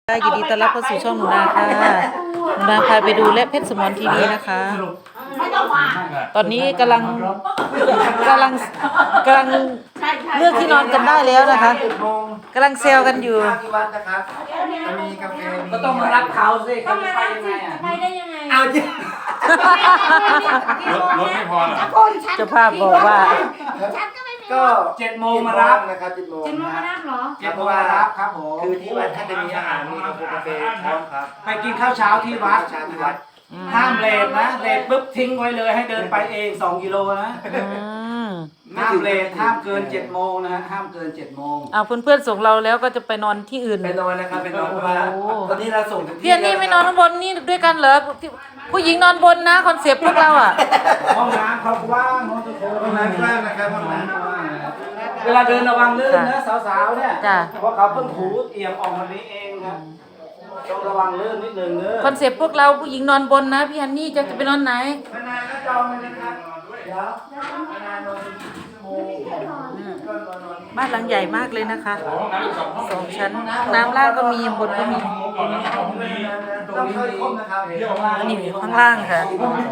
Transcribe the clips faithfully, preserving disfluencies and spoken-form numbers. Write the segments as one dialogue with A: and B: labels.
A: ยินดีต้อนรับเข้าสู่ช่องหนูนาค่ะหนูนาพาไปดูและเพชรสมรทีวีนะคะ ตอนนี้กำลังกำลังกำลังเลือกที่นอนกันได้แล้วนะคะกำลังเซลกันอยู่
B: ที่วัดนะครับจะมีกาแฟมี
C: ก็ต้องมารับเขาสิเขาจะไปยังไงอ่ะ
D: ไปได้ยังไง
B: เอาจริง
E: รถรถไม่พอเหรอ
A: เจ้าภาพบอกว่า
B: ก็
C: เจ็ดโมงมารับ
B: นะครับเจ็ดโมง
D: เจ็ดโมงมารับเหรอ
C: เจ็ดโมงมารับครับผม
B: คือที่วัดท่านจะมีอาหารมีกาแฟพร้อมครับ
C: ไปกินข้าวเช้าที่วัด
B: เช้าที่วัด
C: ห้ามเลทนะเลทปุ๊บทิ้งไว้เลยให้เดินไปเองสองกิโลนะ
A: อืม
C: ห้ามเลทห้ามเกินเจ็ดโมงนะฮะห้ามเกินเจ็ดโมง
A: เอาเพื่อนๆส่งเราแล้วก็จะไปนอนที่อื่น
B: ไปนอนนะครับไปนอนเพราะว่า
A: โอ้
B: ตอนนี้เราส่งถึง
A: พี่อันนี่ไม่นอนข้างบนนี่ด้วยกันเหรอที่ผู้หญิงนอนบนนะคอนเซปต์พวกเราอ่ะ
C: ห้องน้ำเขากว้างห้องจะโถ
B: ห้องน้ำกว้างนะครับห้องน้
C: เวลาเดินระวังลื่นนะสาวๆเนี่ย
A: จ้ะ
C: เพราะเขาเพิ่งถูเอี่ยมออกมานี้เองนะต้องระวังลื่นนิดนึงเนอะ
A: คอนเซปต์พวกเราผู้หญิงนอนบนนะพี่ฮันนี่จะจะไปนอนไหน
B: ำมานานก็จองเลยนะครับเดี๋ยวมานานนอนเป็นชั่วโมงก็นอนนอน
A: บ้านหลังใหญ่มากเลยนะคะ
E: ห้องน้ำอีกสองห้อง
A: สองชั้นน้ำล่างก็มีบนก็มี
E: ก่อนแล้วห้องนี้
B: ต้องเคยครบนะครับ
A: นี่ข้างล่างค่ะ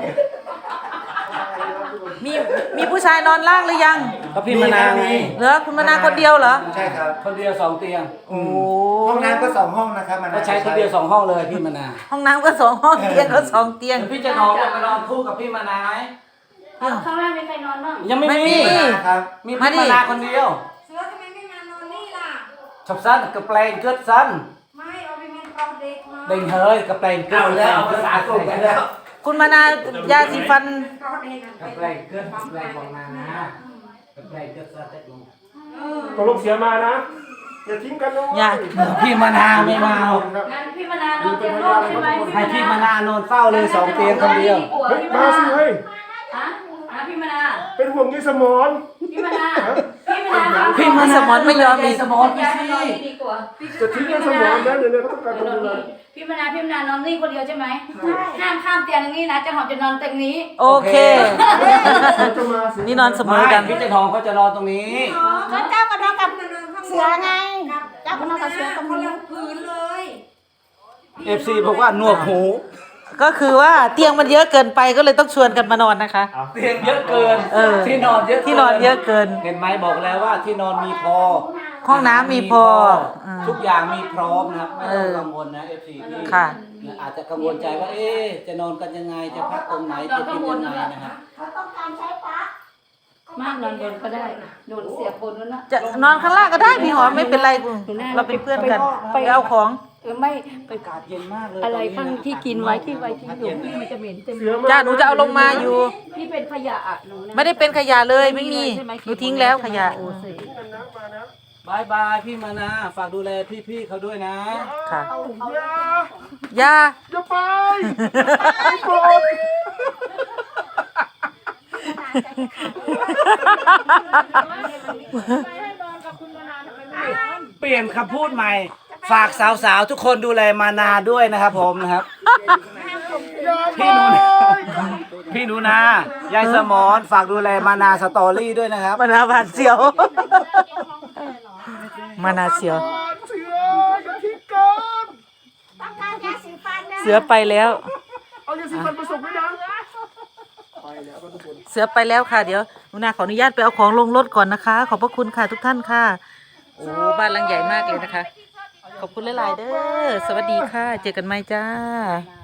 A: มีมีผู้ชายนอนล่างหรือยัง
C: ก็พี่มานาวไง
A: เหรอคุณมนาคนเดียวเหรอ
B: ใช่ครับ
C: คนเดียวสองเตียง
A: โอ้
B: ห้องน้ำก็สองห้องนะครับมัน
C: ก็ใช้คนเดียวสองห้องเลยพี่มานาว
A: ห้องน้ำก็สองห้องเตียงก็สองเตียง
C: เดี๋ยวพี่จะนอนไปนอนคู่กับพี่มานาวไหม
D: ข้างล่างมีใครนอนบ้าง
C: ยังไม่
A: ไม่มี
C: มี
B: ครับ
C: มีพี่มานาวคนเดียว
D: เสือทำไมไม่มานอนนี่ล่ะ
C: ชอบสั้นกับแปลงเกิดสั้น
D: ไม่เอาไปมันเอาเด็กมา
C: เด้งเฮ้ยกับแปลงเกิดแล้วภาษากลุ่มกันแล้ว
A: คุณมานายาสีฟัน
D: เอาเด็ก
C: กับแปลงเกิดแปลงของนานะกับแปลงเกิดสั้นแต่ลง
E: ตกลงเสียมานะ อย่าทิ้งกันนะ
A: อย่า
C: พี่มานาวไม่มาเอา
D: งั้นพี่มานานอนเตียงโล่งใช่ไหม
C: ให้พี่มานานอนเฝ้าเลยสองเตียงคนเดียว
E: เฮ้ยมาสิเฮ้ย
D: ฮะฮะพี่มานา
E: เป็นห่วงยี่สมอน
D: พี่มานาพี่มานา
A: พี่มาสมอนไม่ยอมอีก
C: สมอนพี่
D: ย้าย
C: สิ
D: มานอนนี่ดีกว่า
E: จะทิ้งยี่สมอนนะเดี๋ยวเนี่ยเขาต้องการ
D: เดี๋
E: ค
D: ยวน นอน
E: ดูแล
D: นี่พี่มานาพี่มานานอนนี่คนเดียวใช่ไหมห้ามข้ามเตียงอย่างนี้นะจะหอมจะนอนเตียงนี้
A: โอเค
E: เขาจะมาสิ
A: นี่นอนเสมอกัน
C: พี่เจะทองเขาจะนอนตรงนี้
D: ก็เจ้าก็นอนกับเสือไงเจ้าก็นอนกับเสือตรงนี้พื้นเลย
C: เอฟซีบอกว่าหนวกหู
A: ก็คือว่าเตียงมันเยอะเกินไปก็เลยต้องชวนกันมานอนนะคะ
C: เตียงเยอะเกิน
A: เออ
C: ที่นอนเยอะ
A: ที่นอนเยอะเกิน
C: เห็นไหมบอกแล้วว่าที่นอนมีพอ
A: ห้องน้ำมีพออืม
C: ทุกอย่างมีพร้อมนะไม่
A: เอ
C: ต้อง
A: อ
C: กังวลนะเอฟซีที่
A: ค่ะ
C: อาจจะกังวลใจว่าเอ๊ะจะนอนกันยังไงจะพักตรงไหนจะกินยังไงนะครับ
D: มากนอนบนก็ได้โดนเสียบบนแล้วนะ
A: จะนอนข้างล่างก็ได้พี่หอมไม่เป็นไรเราเป็นเพื่อนกันไปเอาของ
D: เออไม่ไป
C: อากาศเย็นมากเลย
D: อะไร
C: ต
D: ข้าง
C: นนี้
D: ที่กินไว้ที่ไว้ที่อยู่พี่มันจะเหม็นเต็ม
E: เสียมา
A: จ้าหนูจะเอาลงมาอยู่
D: พี่เป็นขยะอ่ะหนูนะ
A: ไม่ได้เป็นขยะเลยไม่มีหนูทิ้งแล้วขยะ
D: โอ้เสีย
C: บายบายพี่มานะฝากดูแลพี่ๆเขาด้วยนะ
A: ค่ะ
E: อย่า
A: อย่า
E: อย่าไปไม่โกรธ
C: เปลี่ยนคำพูดใหม่ ฝากสาวๆทุกคนดูแลมานาด้วยนะครับผมนะครับ พี่หนูนาพี่หนูนายายสมอนฝากดูแลมานาสตอรี่ด้วยนะครับ
A: มานาบาดเสียว มานาเสียว
E: เสืออย่าทิ้งกัน
A: เสือไปแล้ว
E: เอายาสีฟันผสมไว้นะ
A: เสือไปแล้วค่ะ เดี๋ยวหนูนาขออนุญาตไปเอาของลงรถก่อนนะคะ ขอบพระคุณค่ะทุกท่านค่ะ โอ้บ้านหลังใหญ่มากเลยนะคะ ขอบคุณหลายๆเด้อ สวัสดีค่ะ เจอกันใหม่จ้า